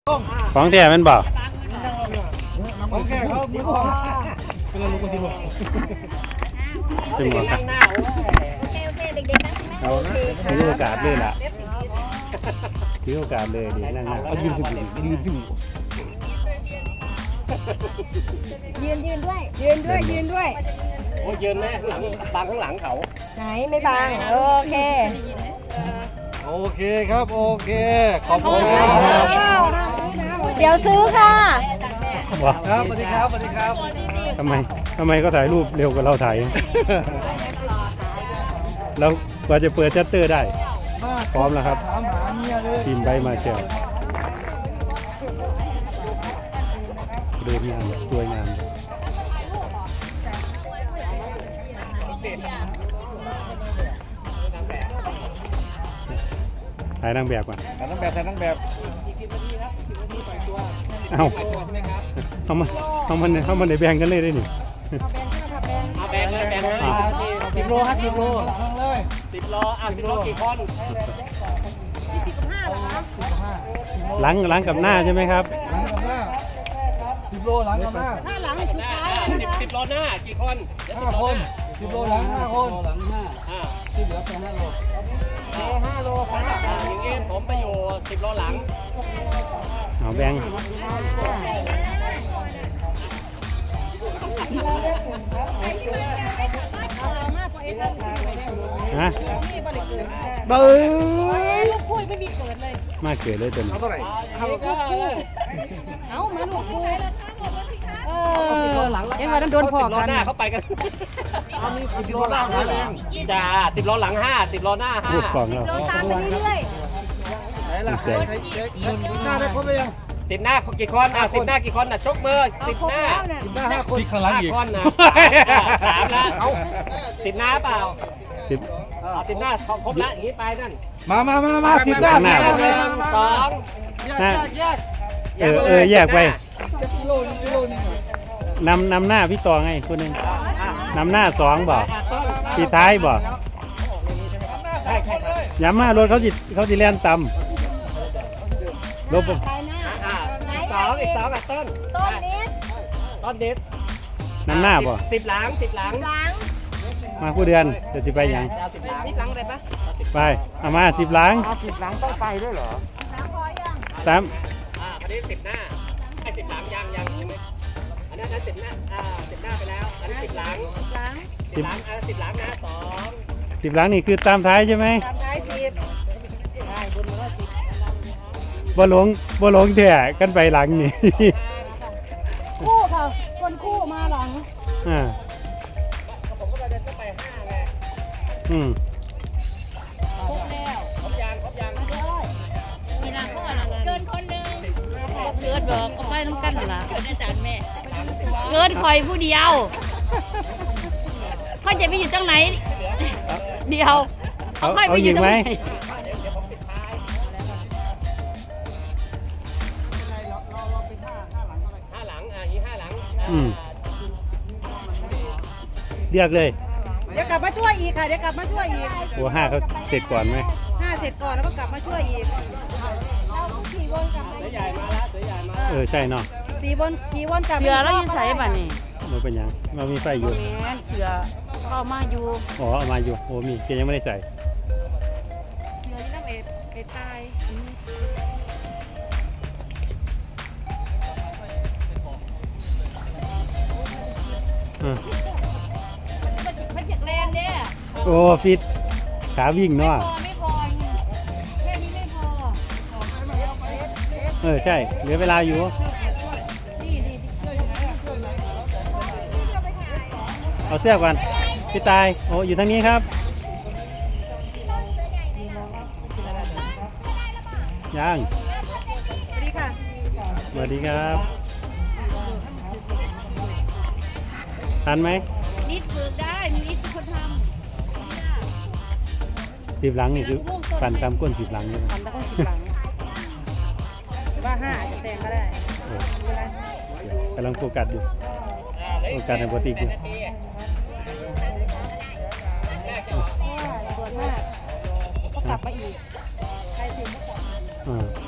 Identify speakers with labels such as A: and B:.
A: ของแท้มันบ่
B: ของแท้เขามือของเป็นลูกคนที่บอก
A: ถึงหมดครับ
C: โอเคเด็กๆนะ
A: เอาถือโอกาสเลยล่ะถือโอกาสเลยดินั่งๆเอายืนขึ้นยืนขึ้น
C: ยืนด้วย
B: โอ้ยืนแม่หลังบางข้างหลังเขา
C: ไหนไม่บางโอเค
B: ครับโอเคขอบคุณครับ
C: เดี๋ยวซื้อค่ะ
B: ครับสวัสดีครับ
A: ทำไมก็ถ่ายรูปเร็วกว่าเราถ่ายแล้วกว่าจะเปิดชัตเตอร์ได้พร้อมแล้วครับทีมใบมาเชียวเดินงานสวยงามถ่ายนางแบบก่อน
B: ถ่ายนางแบบ
A: เอามันในแบ่งกันเลยได้หนิ
B: แบ่ง10 โลครับ10 โล10 โล10 โลกี่คน
A: หลังกับหน้าใช่ไหมครับ
B: หลังกับหน้า10 โลหลังกับหน้า
C: หลังสุดท้าย
B: 10 โลหน้ากี่คน5 คน10 โลหลัง5 คนหลัง5ที่เหลือเป็น5 โล5 โลครับอย่างนี้ผมไปอยู่10 โลหลัง
A: เอาแบ่งฮะเบิ้ง
C: ลูกคุยไม่มีเกิดเลย
A: มาเกิดเลยตัวนี้
B: เท่าไหร่
C: เอามาลูกคุยเอ็มวันนั้นโดนพอกัน
B: หน้าเขาไปกัน10 โลหลังจ้า10 โลหลัง5 10 โลหน้า5
A: พูดก่อนเรา
C: ตามไปเรื่อย
B: ๆไหนล่ะหน้าได้ครบหรือยัง10 หน้ากี่คน10 หน้ากี่คนชกมือ10 หน้า5 คนที่ข้างหลังอีกคนนะ3แล้ว10 หน้าเปล่า10 หน้าครบแล้วอย่างนี้ไปนั่น
A: มา10 หน้า
B: 2
A: แยกไปนำหน้าพี่ต่อไงคนนึงนำหน้า2บ่ปีท้ายบ่ย้ำมารถเขาจิแล่นต่ำลบ
B: อีก2ต้นนิด
A: นำหน้าบ่
B: 10 หลัง
A: มาผู้เดือนจะไปยัง
C: 10 หลังเลยปะ
A: ไปเอามา10 หลัง
B: 10 หลังต้องไปด้วยเหรอ
A: 3
B: อันนี้10 หน้าไอ้10 หลังยังใช่ไหมอันนั้น10 หน้า10 หน้าไปแล้วอันนี้10 หลัง10 หลังนะ2
A: 10 หลังนี่คือตามท้ายใช่ไหม
C: ตามท้าย10ได้บนมาแล้ว10
A: บ่หลงแท้กันไปหลังนี่
C: คู่ค่ะคนคู่มาหลัง
B: ผมก็เดินเข้าไป5ไง
C: ครบแล้ว
B: ครบยัง
C: มีนางเข้ามาเกินคนนึงเกินบอกก็ไปน้ำกันล่ะเกินอาจารย์แม่เกินคอยผู้เดียวเขาจะไปอยู่ตรงไหนเดียว
A: เอายิงไหมเรียกเลย
C: เดี๋ยวกลับมาช่วยอีกค่ะ
A: โอ้5เขาเสร็จก่อนไหม
C: 5เสร็จก่อนแล้วก็กลับมาช่วยอีกเราขี่วนกลับมา
B: เสือใหญ่มาแล้ว
A: ใช่เนาะ
C: ขี่วนกลับเสือแล้วยืนใส่ป่ะนี่
A: มันเป็นยังเรามีไฟอยู่
C: เสือเข้ามาอยู่
A: เอามาอยู่โอ้มีแกยังไม่ได้ใส่
C: เสือที่น้ำเอ็ดตายไม่เจ็บแรงเนี่ย
A: โอ้ฟิตขาวิ่งเนาะ
C: ไม่พอแค่นี้ไม่พ
A: อใช่เหลือเวลาอยู่เอาเสื้อก่อนพี่ตายโอ้อยู่ทางนี้ครับยังสวัสดีครับทันไหม
C: นิดฝึกได้นิดเป็นคนท
A: ำ10 หลังนี่คือฟันตามก้น10 หลังนี่
C: ฟันตามก้น10 หลังว่า5จะแซงก็ได้
A: กำลังโฟกัสอยู่โฟกัสในปกติอยู่
C: ปวดมากก็กลับมาอีกใครสิก็กลับ